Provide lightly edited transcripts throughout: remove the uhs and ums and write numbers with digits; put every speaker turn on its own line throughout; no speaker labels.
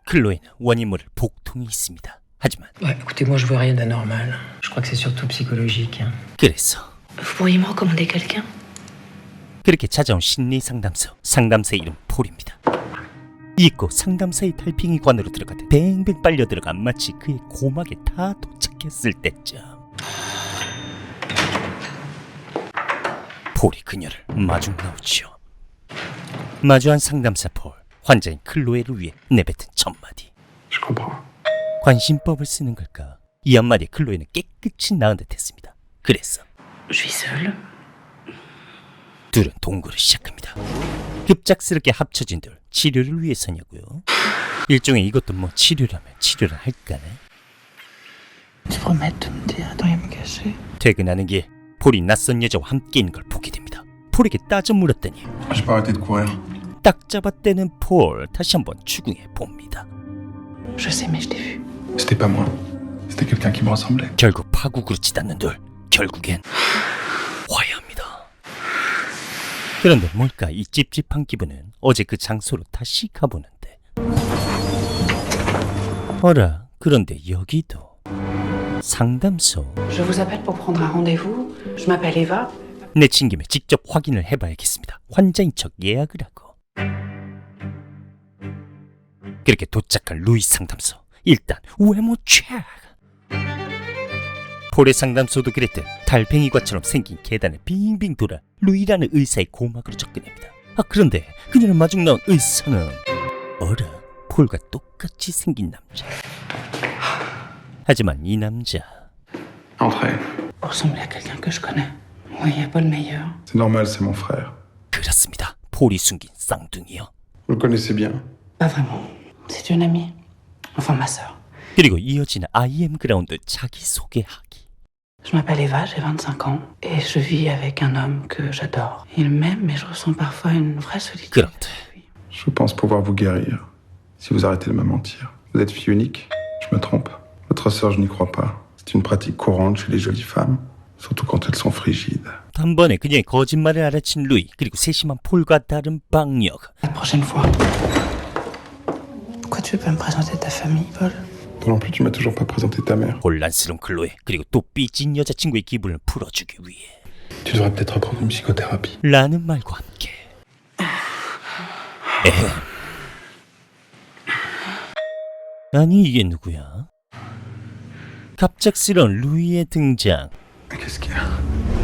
클로에는 원인모를 복통이 있습니다. 하지만
Ouais, écoutez, moi je vois rien d'anormal. Je crois que c'est surtout psychologique. Hein.
그래서
Vous pourriez me recommander quelqu'un?
그렇게 찾아온 심리 상담소. 상담사의 이름 폴입니다. 잊고 상담사의 달팽이관으로 들어가듯 뱅뱅 빨려 들어가 마치 그의 고막에 다 도착했을 때쯤 폴이 그녀를 마중 나오지요. 마주한 상담사 폴, 환자인 클로에를 위해 내뱉은 첫마디.
Je comprends.
관심법을 쓰는 걸까? 이 한마디에 클로에는 깨끗이 나은 듯했습니다. 그래서
Je suis seule.
둘은 동거를 시작합니다. 급작스럽게 합쳐진 둘, 치료를 위해서냐고요? 일종의 이것도 뭐 치료라면 치료를 할까네?
Tu promets de me dire de rien me cacher?
퇴근하는 길 폴이 낯선 여자와 함께 있는 걸 보게 됩니다. 폴에게 따져 물었더니
J'ai pas arrêté de courir.
딱 잡아떼는 폴. 다시 한번 추궁해 봅니다.
Je sais, mais je t'ai vu.
C'était pas moi. C'était quelqu'un qui me ressemblait.
결국 파국으로 치닫는 둘. 결국엔 화해합니다. 그런데 뭘까 이 찝찝한 기분은. 어제 그 장소로 다시 가보는데 어라, 그런데 여기도 상담소.
Je vous appelle pour prendre un rendez-vous. Je m'appelle Eva.
내친 김에 직접 확인을 해봐야겠습니다. 환자인 척 예약을 하고 그렇게 도착한 루이 상담소. 일단 외모 체크. 폴의 상담소도 그랬듯 달팽이과처럼 생긴 계단을 빙빙 돌아 루이라는 의사의 고막으로 접근합니다. 그런데 그녀를 마중 나온 의사는 어라, 폴과 똑같이 생긴 남자. 하지만 이 남자
Entrez.
Vous ressemblez à quelqu'un que je connais. Oui, il n'y a pas le meilleur.
C'est normal, c'est mon frère.
그렇습니다. 폴이 숨긴 쌍둥이요.
Vous le connaissez bien.
Pas vraiment. C'est une amie. Enfin, ma sœur.
그리고 이어지는 IM 그라운드 자기소개하기.
Je m'appelle Eva, j'ai 25 ans. Et je vis avec un homme que j'adore. Il m'aime, mais je ressens parfois une vraie solitude.
그런데
Je pense pouvoir vous guérir. Si vous arrêtez de me mentir. Vous êtes fille unique? Je me trompe. Votre sœur, je n'y crois pas. C'est une pratique courante chez les jolies femmes. Surtout quand elles sont frigides.
단번에 그녀의 거짓말을 알아챈 루이. 그리고 세심한 폴과 다른 방역.
La prochaine fois. Pourquoi tu veux pas me présenter ta famille, Paul?
Toi non plus, tu m'as toujours pas présenté ta mère.
혼란스러운 클로에. 그리고 또 삐진 여자친구의 기분을 풀어주기 위해
Tu devrais peut-être reprendre une psychothérapie.
라는 말과 함께 아니 이게 누구야? 갑작스러운 루이의 등장.
Qu'est-ce qu'il y a?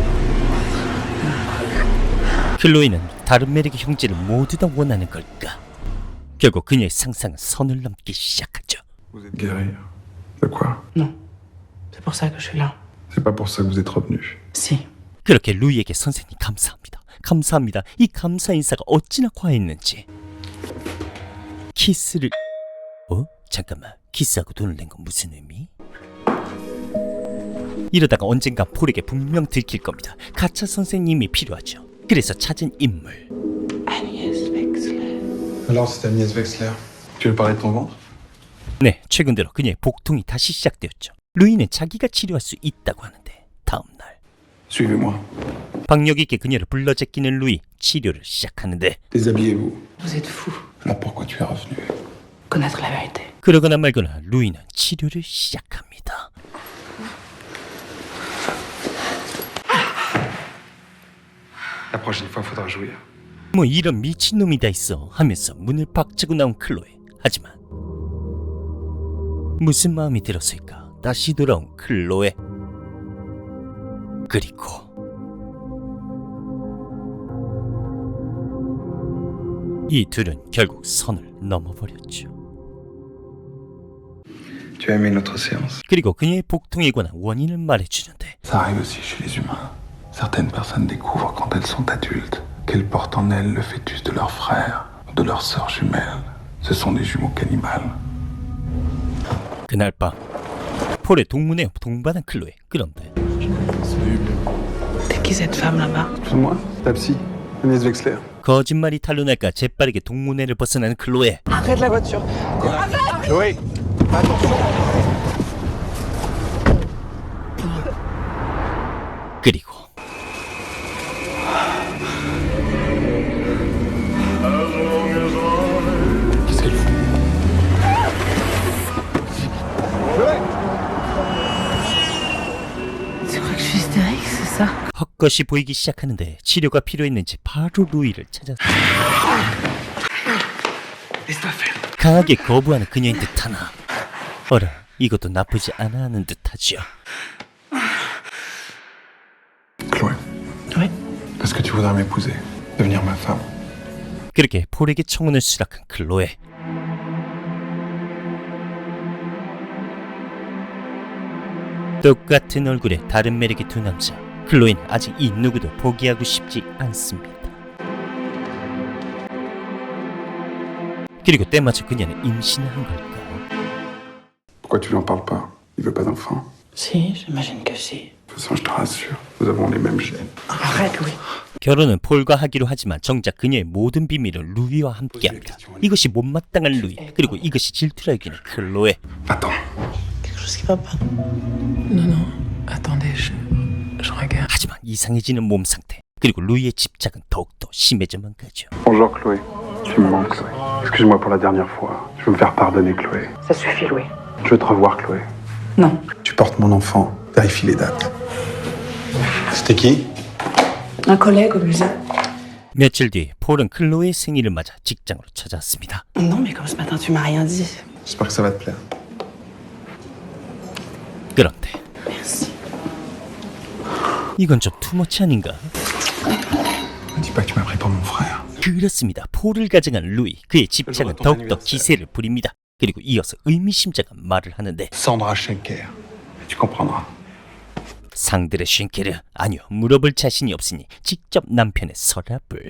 클로이는 다른 매력의 형제를 모두 다 원하는 걸까? 결국 그녀의 상상은 선을 넘기 시작하죠.
Vous êtes guéri. De quoi?
Non. C'est pour ça que je suis là.
C'est pas pour ça que vous êtes revenu.
Si.
그렇게 루이에게 선생님 감사합니다. 감사합니다. 이 감사 인사가 어찌나 과했는지. 키스를... 잠깐만. 키스하고 돈을 낸 건 무슨 의미? 이러다가 언젠가 폴에게 분명 들킬 겁니다. 가짜 선생님이 필요하죠. 그래서 찾은 인물.
Agnès Wexler.
Alors, c'est Agnès Wexler. Tu veux parler de ton ventre?
네, 최근 들어 그녀의 복통이 다시 시작되었죠. 루이는 자기가 치료할 수 있다고 하는데 다음 날
Suivez-moi.
박력 있게 그녀를 불러 제끼는 루이. 치료를 시작하는데
Déshabillez-vous.
Vous êtes fou.
Alors pourquoi tu es revenu?
Connaître la vérité.
그러거나 말거나 루이는 치료를 시작합니다.
La prochaine fois, faudra jouir.
뭐 이런 미친놈이 다 있어 하면서 문을 박차고 나온 클로에. 하지만 무슨 마음이 들었을까? 다시 돌아온 클로에. 그리고 이 둘은 결국 선을 넘어버렸죠.
Tu as aimé notre séance?
그리고 그녀의 복통에 관한 원인을 말해주는데
Ça arrive aussi chez les humains. Certaines personnes découvrent quand elles sont adultes qu'elles portent en elles le fœtus de leur frère ou de leur sœur jumelle. Ce sont des jumeaux cannibales.
그날 밤 폴의 동문회 동반한 클로에. 그런데
C'est qui cette femme là-bas?
Excuse-moi, ta psy, Agnès Wexler.
거짓말이 탄로날까 재빠르게 동문회를 벗어나는 클로에.
Arrête la voiture.
Chloé, attention.
그리고
Qu'est-ce qu'elle fout?
수컷이 보이기 시작하는데 치료가 필요했는지 바로 루이를 찾았다. 강하게 거부하는 그녀인 듯하나 어라, 이것도 나쁘지 않아 하는 듯하지요.
Chloé,
Oui.
est-ce que tu voudrais m'épouser? Devenir ma femme?
그렇게 폴에게 청혼을 수락한 클로에. 똑같은 얼굴에 다른 매력의 두 남자. 클로에는 아직 이 누구도 포기하고 싶지 않습니다. 그리고 때마침 그녀는 임신을 한 걸까?
Pourquoi tu lui en parles pas? Il veut pas d'enfant?
Si, j'imagine que si.
De toute façon, je te rassure, nous avons les mêmes gènes.
Arrête, Louis.
결혼은 폴과 하기로 하지만 정작 그녀의 모든 비밀을 루이와 함께합니다. 이것이 못마땅한 루이, 그리고 이것이 질투라 여기는 클로에.
Attends.
Quelque chose qui va pas. Non, non. Attendez, je regarde.
하지만 이상해지는 몸 상태, 그리고 루이의 집착은 더욱더 심해져만 가죠.
Bonjour Chloé. Tu me manques Chloé. Excuse-moi pour la dernière fois. Je veux me faire pardonner Chloé.
Ça suffit, Louis.
Je veux te revoir Chloé.
Non.
Tu portes mon enfant. Vérifie les dates. C'était qui?
Un collègue au musée.
며칠 뒤 폴은 클로의 생일을 맞아 직장으로 찾아왔습니다.
Non, mais comme ce matin, tu m'as rien dit.
J'espère que ça va te plaire.
그런데
Merci.
이건 좀 투머치 아닌가?
Ne dis pas que tu m'as pris pour mon frère.
그렇습니다. 폴을 가져간 루이, 그의 집착은 더욱더 기세를 부립니다. 그리고 이어서 의미심장한 말을 하는데
Sandra Schenker. Tu comprendras.
상들의 쉔케르, 아니요, 물어볼 자신이 없으니 직접 남편의 서랍을.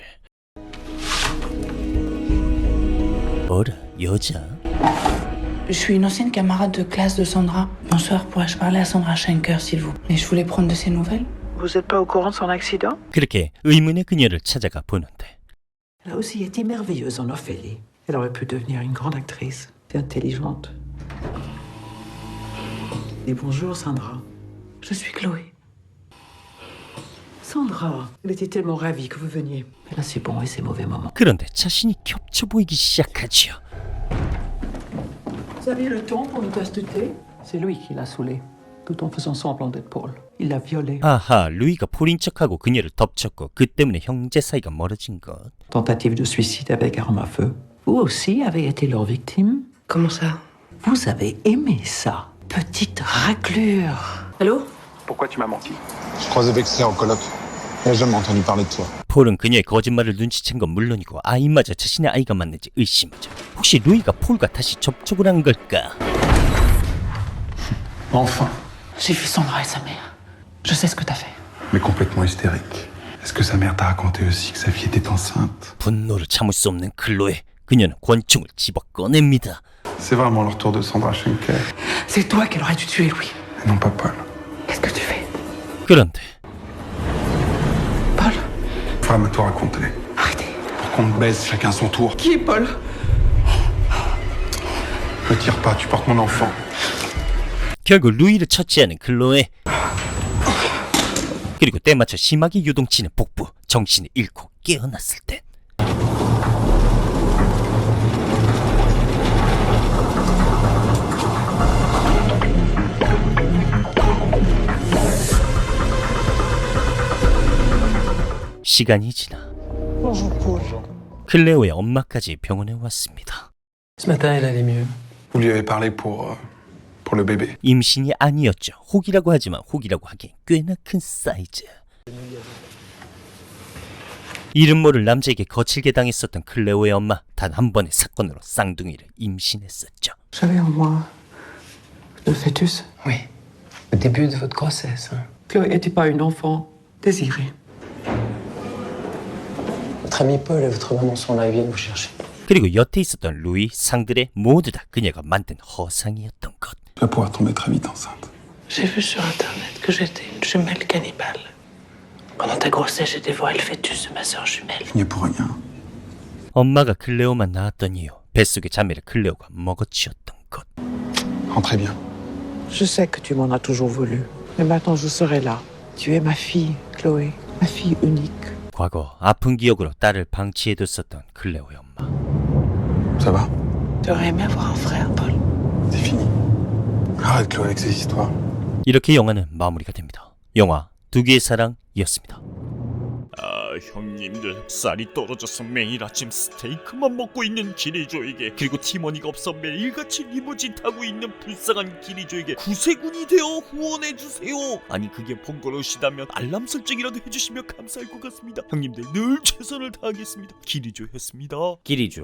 어라, 여자?
Je suis une ancienne camarade de classe de Sandra. Bonsoir, pourrais-je parler à Sandra Schenker, s'il vous plaît? Mais je voulais prendre de ses nouvelles.
Vous êtes pas au courant de son accident?
그렇게 의문의 그녀를 찾아가 보는데
Elle a aussi été merveilleuse en Ophélie. Elle aurait pu devenir une grande actrice. C'est intelligente. Et bonjour, Sandra.
Je suis Chloé.
Sandra, elle était tellement ravie que vous veniez. Elle a ses bons et ses mauvais moments.
그런데 자신이 겹쳐 보이기 시작하지요.
Vous avez le temps pour une tasse de thé? C'est lui qui l'a saoulée, tout en faisant semblant d'être Paul. Il l'a violée.
아하, 루이가 폴인 척하고 그녀를 덮쳤고 그 때문에 형제 사이가 멀어진 것.
Tentative de suicide avec arme à feu. Vous aussi avez été leur victime?
Comment ça?
Vous avez aimé ça? Petite raclure.
Allô?
Pourquoi tu m'as menti? Je croisais Vexler au colloque. Il n'a jamais entendu parler de toi.
폴은 그녀의 거짓말을 눈치챈 건 물론이고 아이마저 자신의 아이가 맞는지 의심하죠. 혹시 루이가 폴과 다시 접촉을 한 걸까?
Enfin.
J'ai vu Sandra et sa mère. Je sais ce que t'as fait.
Mais complètement hystérique. Est-ce que sa mère t'a raconté aussi que sa fille était enceinte?
분노를 참을 수 없는 클로에, 그녀는 권총을 집어 꺼냅니다.
C'est vraiment le retour de Sandra Schenker.
C'est toi qu'elle aurait dû tuer, Louis.
Et non pas Paul.
Qu'est-ce que tu fais?
그런데
Paul?
Faudra me tout raconter.
Arrêtez.
Pour qu'on me baise chacun son tour.
Qui est Paul?
Ne tire pas, tu portes mon enfant.
결국 루이를 처치하는 클로에. 그리고 때마쳐 심하게 요동치는 복부, 정신을 잃고 깨어났을 때 시간이 지나 클레오의 엄마까지 병원에 왔습니다.
Ce matin, elle allait mieux.
Vous lui avez parlé pour le bébé.
임신이 아니었죠. 혹이라고 하지만 혹이라고 하기엔 꽤나 큰 사이즈. 이름 모를 남자에게 거칠게 당했었던 클레오의 엄마, 단 한 번의 사건으로 쌍둥이를 임신했었죠.
J'avais en moi le fœtus.
Oui. Le début de votre grossesse. Hein.
Chloé n'était pas une enfant désirée.
Votre ami Paul et votre maman sont là, ils viennent vous chercher.
그리고 여태 있었던 루이, 상들의 모두 다 그녀가 만든 허상이었던 것.
Tu vas pouvoir tomber très vite enceinte.
J'ai vu sur Internet que j'étais une jumelle cannibale. Pendant ta grossesse, j'ai dévoré le fœtus de ma sœur jumelle.
Il n'y est pour rien.
엄마가 클레오만 낳았던 이유, 뱃속의 자매를 클레오가 먹어치웠던 것.
Rentrez bien.
Je sais que tu m'en as toujours voulu. Mais maintenant, je serai là. Tu es ma fille, Chloé. Ma fille unique.
과거 아픈 기억으로 딸을 방치해뒀었던 클레오의 엄마.
Ça va?
Tu aurais aimé avoir un frère, Paul.
C'est fini. Arrête Chloé avec ces histoires.
이렇게 영화는 마무리가 됩니다. 영화 두기의 사랑이었습니다.
아, 형님들 쌀이 떨어져서 매일 아침 스테이크만 먹고 있는 기리조에게, 그리고 팀원이가 없어 매일같이 리무진 타고 있는 불쌍한 기리조에게 구세군이 되어 후원해주세요. 아니 그게 번거로우시다면 알람 설정이라도 해주시면 감사할 것 같습니다. 형님들 늘 최선을 다하겠습니다. 기리조였습니다.
기리조